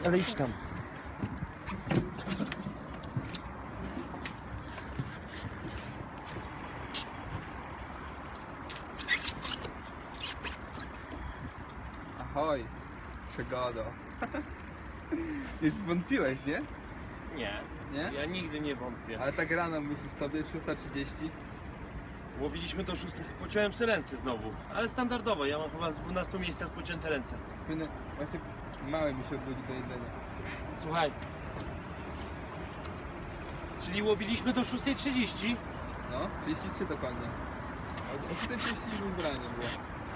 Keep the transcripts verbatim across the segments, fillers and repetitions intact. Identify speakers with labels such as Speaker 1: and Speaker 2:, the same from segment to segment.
Speaker 1: ale idź tam.
Speaker 2: Ahoj, przygoda. Już wątpiłeś, nie?
Speaker 1: Nie,
Speaker 2: Nie?
Speaker 1: ja nigdy nie wątpię.
Speaker 2: Ale tak rano myślisz sobie, szósta trzydzieści.
Speaker 1: Łowiliśmy do szóstej. Pociąłem sobie ręce znowu, ale standardowo. Ja mam chyba w dwunastu miejscach pocięte ręce.
Speaker 2: Płynę, właśnie mały mi się obudzi do jedzenia.
Speaker 1: Słuchaj. Czyli łowiliśmy do szóstej trzydzieści?
Speaker 2: No, trzydzieści trzy dokładnie. O czterdzieści ubranie było.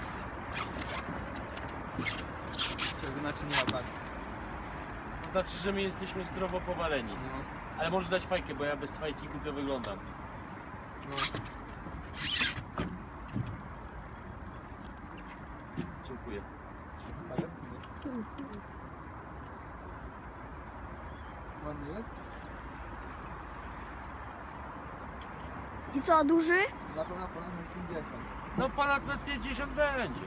Speaker 2: To znaczy nie ma par.
Speaker 1: To znaczy, że my jesteśmy zdrowo powaleni.
Speaker 2: No,
Speaker 1: Ale możesz dać fajkę, bo ja bez fajki głupio wyglądam.
Speaker 2: no.
Speaker 1: Dziękuję.
Speaker 2: Ale nie. Ładnie jest?
Speaker 3: I co, duży?
Speaker 2: Na pewno na ponad pięćdziesiąt.
Speaker 1: No ponad pięćdziesiąt będzie.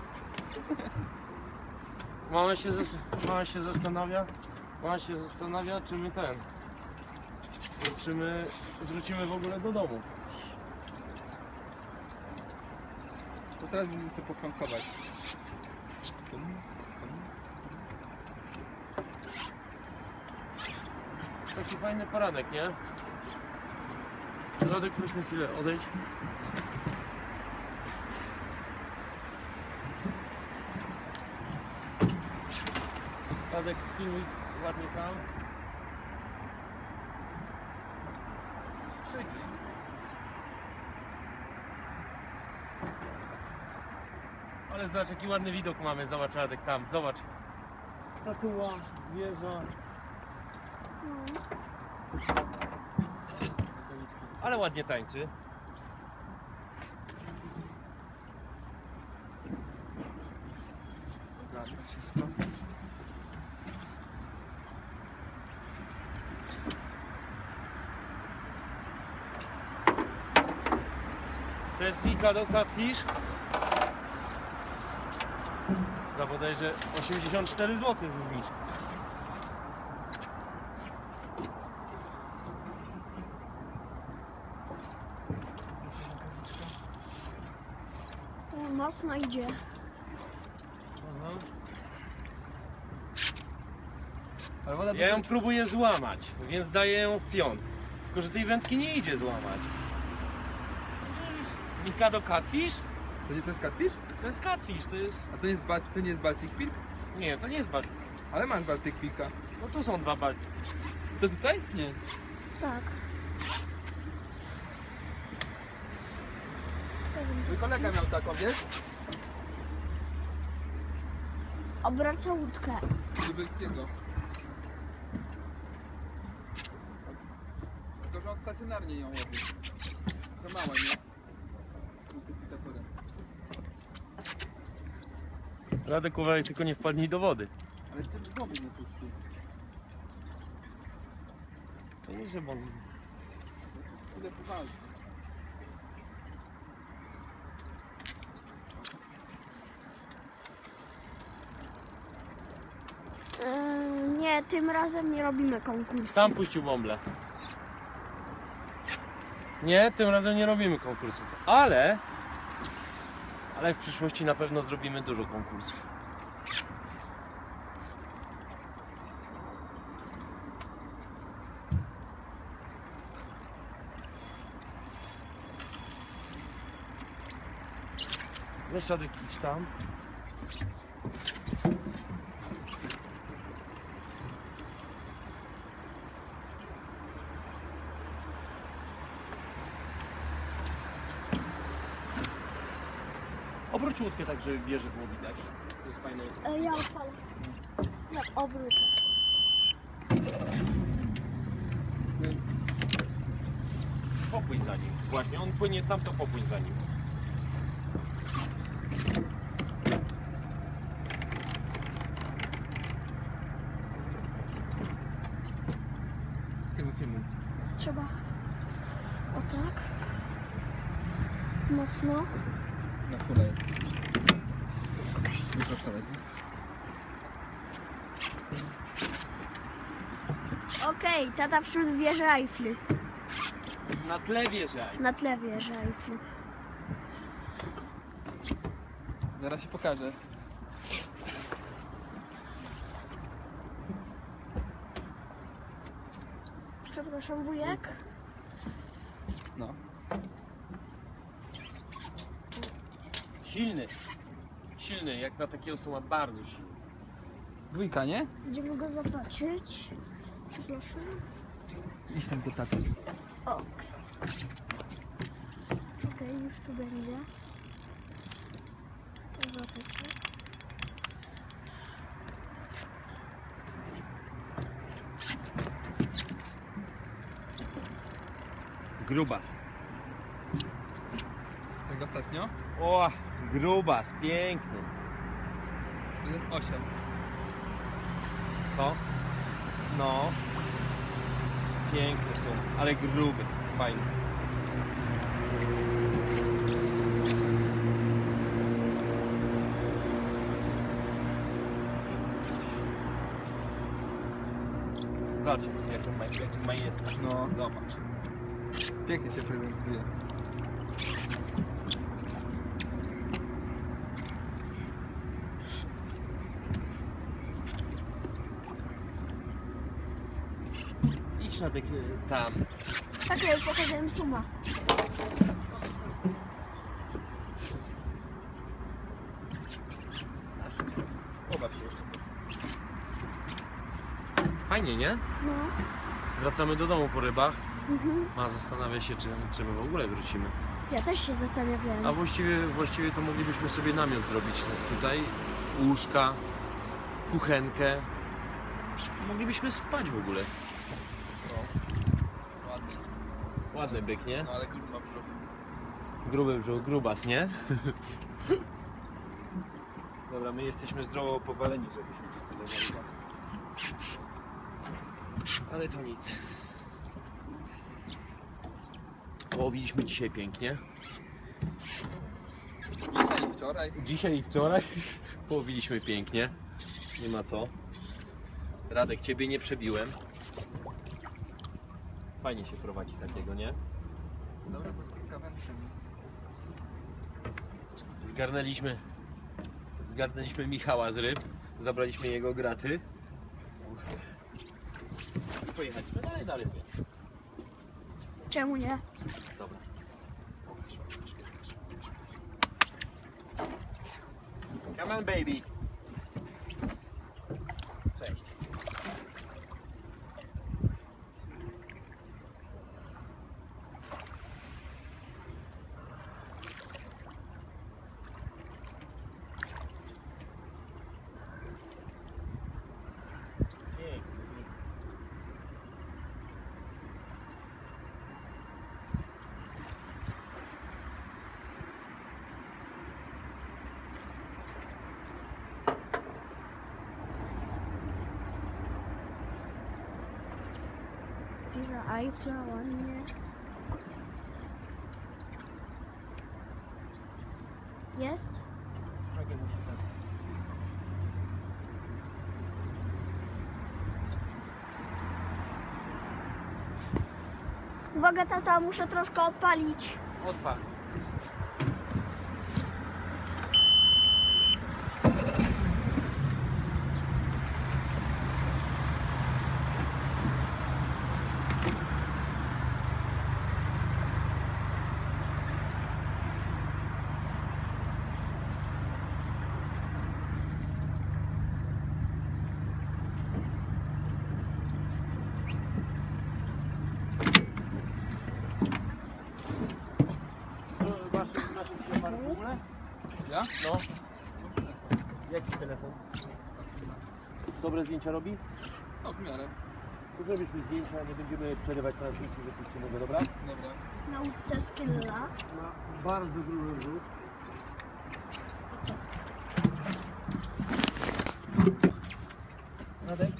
Speaker 1: Mama się, zas mama się zastanawia, mama się zastanawia, czy my ten, czy my wrócimy w ogóle do domu.
Speaker 2: To teraz będziemy sobie pokrąkować.
Speaker 1: Taki fajny poranek, nie? Radek, weź na chwilę, odejdź. Radek, skinuj ładnie tam. Przygnij. Ale zobacz, jaki ładny widok mamy, zobacz Radek tam, zobacz. Statua, wieża. Ale ładnie tańczy.
Speaker 2: Zgadza wszystko.
Speaker 1: To jest Mikado Catfish. Za bodajże osiemdziesiąt cztery złote ze zniżki.
Speaker 3: O, mocno idzie.
Speaker 1: Aha.
Speaker 2: Ale woda
Speaker 1: Ja ją próbuję złamać, więc daję ją w pion. Tylko że tej wędki nie idzie złamać. Mikado Catfish?
Speaker 2: To nie to jest catfish?
Speaker 1: To jest Catfish, to jest...
Speaker 2: A to nie jest, ba to nie jest Baltic Pilk?
Speaker 1: Nie, to nie jest Baltic.
Speaker 2: Ale masz Baltic Pilka.
Speaker 1: No tu są dwa Baltic.
Speaker 2: To tutaj? Nie.
Speaker 3: Tak.
Speaker 2: Mój kolega miał taką, wiesz?
Speaker 3: Obraca łódkę.
Speaker 2: Lubelskiego. Tylko, że on stacjonarnie ją łowi. To mała, nie? Multiplikatorem.
Speaker 1: Radek, uważaj, tylko nie wpadnij do wody.
Speaker 2: Ale ty w głowy nie puścił.
Speaker 1: To nie, że on...
Speaker 2: Tyle powalczy.
Speaker 3: Yy, nie, tym razem nie robimy konkursu.
Speaker 1: Tam puścił bąble. Nie, tym razem nie robimy konkursów. Ale... Ale w przyszłości na pewno zrobimy dużo konkursów. Weź Radek, idź tam. Obróć łódkę tak, żeby wieży było widać. To jest fajne.
Speaker 3: Yy, ja odpalę. Ja obrócę.
Speaker 1: Popłyń za nim. Właśnie, on płynie tam, to popłyń za nim.
Speaker 2: Filmu, filmu.
Speaker 3: Trzeba o tak. Mocno.
Speaker 2: Na fura jest. Nie prostować, nie?
Speaker 3: Okej, tata wśród wieży Eiffli.
Speaker 1: Na tle wieżaj.
Speaker 3: Na tle wieży Eiffli.
Speaker 2: Zaraz się pokażę.
Speaker 3: Przepraszam, wujek.
Speaker 2: No.
Speaker 1: Silny. Silny, jak na takiego co ma bardzo silny.
Speaker 2: Dwójka, nie?
Speaker 3: Będziemy go zobaczyć. Przepraszam.
Speaker 2: Idź tam do taty.
Speaker 3: Okej. Okej, już tu będzie. Zobaczcie.
Speaker 1: Grubas.
Speaker 2: Jak ostatnio?
Speaker 1: O, grubas, piękny.
Speaker 2: jeden osiem.
Speaker 1: Co? No. Piękny są, ale gruby, fajny. Zobacz, jak on ma, jak on ma jest.
Speaker 2: No.
Speaker 1: Zobacz.
Speaker 2: Pięknie się prezentuje.
Speaker 1: Idź na takie tam.
Speaker 3: Tak, ja już pokazałem suma.
Speaker 1: Pobaw się jeszcze. Fajnie, nie?
Speaker 3: No.
Speaker 1: Wracamy do domu po rybach.
Speaker 3: Mhm.
Speaker 1: A zastanawia się, czy, czy my w ogóle wrócimy.
Speaker 3: Ja też się zastanawiałem.
Speaker 1: A właściwie, właściwie to moglibyśmy sobie namiot zrobić tutaj. Łóżka, kuchenkę. Moglibyśmy spać w ogóle.
Speaker 2: No. Ładnie.
Speaker 1: Ładny byk, nie?
Speaker 2: No ale gruby ma brzuch.
Speaker 1: Gruby brzuch, grubas, nie? Dobra, my jesteśmy zdrowo powaleni, żebyśmy tu tyle na rybach. Ale to nic. Połowiliśmy dzisiaj pięknie.
Speaker 2: Dzisiaj i wczoraj.
Speaker 1: Dzisiaj i wczoraj połowiliśmy pięknie. Nie ma co. Radek, ciebie nie przebiłem. Fajnie się prowadzi takiego, nie?
Speaker 2: Dobra, bo z kawężem.
Speaker 1: Zgarnęliśmy Zgarnęliśmy Michała z ryb. Zabraliśmy jego graty. I pojechaliśmy dalej na ryby.
Speaker 3: Czemu nie?
Speaker 1: Dobra. Pokaż, pokaż, pokaż, pokaż. Come on, baby. Cześć.
Speaker 3: Wieża Eiffla, ładnie. Jest? Uwaga, tata, muszę troszkę odpalić.
Speaker 1: Odpal. Masz, masz jakiś aparat w ogóle?
Speaker 2: Ja?
Speaker 1: No. Jaki telefon? Dobre zdjęcia robi?
Speaker 2: No, w miarę.
Speaker 1: To zrobisz mi zdjęcia, nie będziemy przerywać transmisji, że puścimy go, dobra?
Speaker 2: Dobra.
Speaker 3: Nauce Skilla.
Speaker 1: Ma bardzo duży rzut. Radek?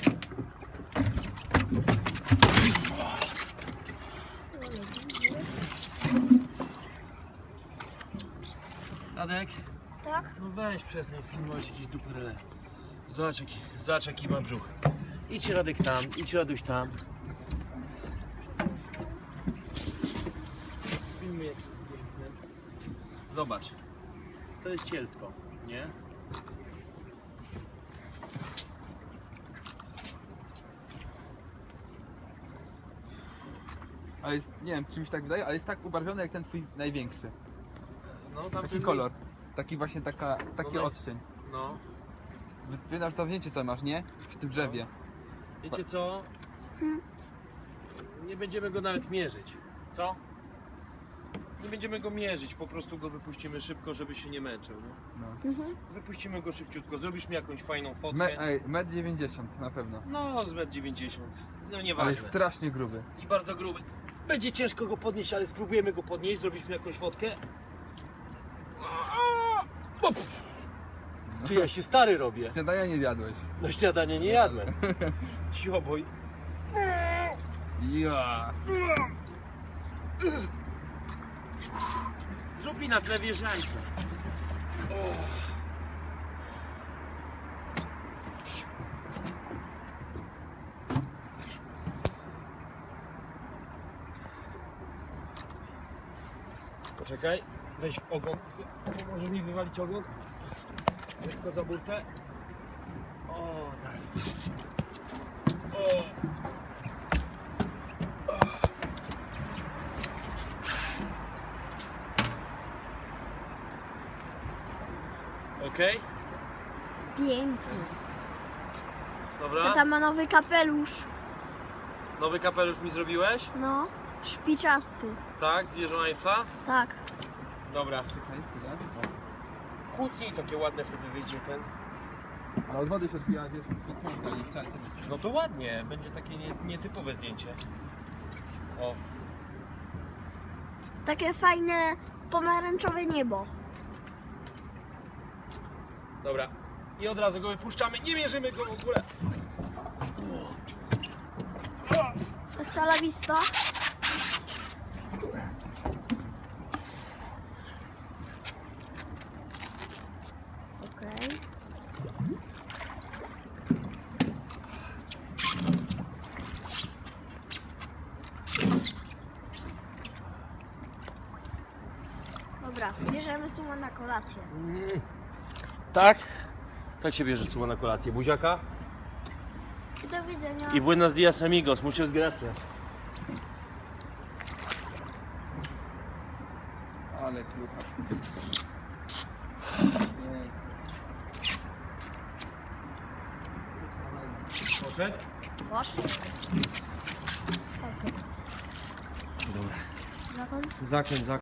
Speaker 1: Radek?
Speaker 3: Tak?
Speaker 1: No weź przestań filmować jakieś duperele. Zobacz jaki, zobacz jaki ma brzuch. Idź Radek tam, idź Raduś tam. Filmy jak jest piękny. Zobacz. To jest Cielsko, nie?
Speaker 2: Ale jest, nie wiem, czy mi się tak wydaje, ale jest tak ubarwiony jak ten twój największy.
Speaker 1: No, tam
Speaker 2: Taki kolor. Taki właśnie taka, taki
Speaker 1: No,
Speaker 2: odcień.
Speaker 1: No.
Speaker 2: Wy, wy na to zdjęcie co masz, nie? W tym drzewie.
Speaker 1: Wiecie co? Nie będziemy go nawet mierzyć. Co? Nie będziemy go mierzyć, po prostu go wypuścimy szybko, żeby się nie męczył. Nie?
Speaker 2: No.
Speaker 3: Mhm.
Speaker 1: Wypuścimy go szybciutko, zrobisz mi jakąś fajną fotkę.
Speaker 2: Me, ej, metr dziewięćdziesiąt na pewno.
Speaker 1: No, z metr dziewięćdziesiąt. No
Speaker 2: Ale
Speaker 1: nieważne.
Speaker 2: jest strasznie gruby.
Speaker 1: I bardzo gruby. Będzie ciężko go podnieść, ale spróbujemy go podnieść, zrobić mi jakąś fotkę. O, pff. Ty, ja się stary robię.
Speaker 2: Śniadania nie zjadłeś.
Speaker 1: No śniadanie nie jadłem. Cicho, boj.
Speaker 2: Ja.
Speaker 1: Zrób mi na tle wieżańca. Poczekaj, weź w ogon. Możesz mi wywalić ogon? Lekko za burtę. O, tak. O. Okej,
Speaker 3: Pięknie.
Speaker 1: dobra.
Speaker 3: Tata ma nowy kapelusz.
Speaker 1: Nowy kapelusz mi zrobiłeś?
Speaker 3: No, szpiczasty.
Speaker 1: Tak, z wieżą Eiffla?
Speaker 3: Tak.
Speaker 1: Dobra.
Speaker 2: Czekaj, chwilę.
Speaker 1: Kłócnij takie ładne, wtedy wyjdzie ten.
Speaker 2: Ale od wody się odbija, wiesz, piknięta i czaj.
Speaker 1: No to ładnie, będzie takie nie, nietypowe zdjęcie. O,
Speaker 3: Takie fajne pomarańczowe niebo.
Speaker 1: dobra. I od razu go wypuszczamy, nie mierzymy go w ogóle.
Speaker 3: Hasta la vista. Okej. Dobra, bierzemy sumę na kolację.
Speaker 1: Tak? Tak się bierze suma na kolację. Buziaka?
Speaker 3: I do widzenia.
Speaker 1: I buenos dias amigos, muchas gracias.
Speaker 2: Ale klucha.
Speaker 1: Poszedł?
Speaker 3: Poszło. Okej.
Speaker 1: Dobra.
Speaker 3: Zakon?
Speaker 1: Zakręt, zakręt.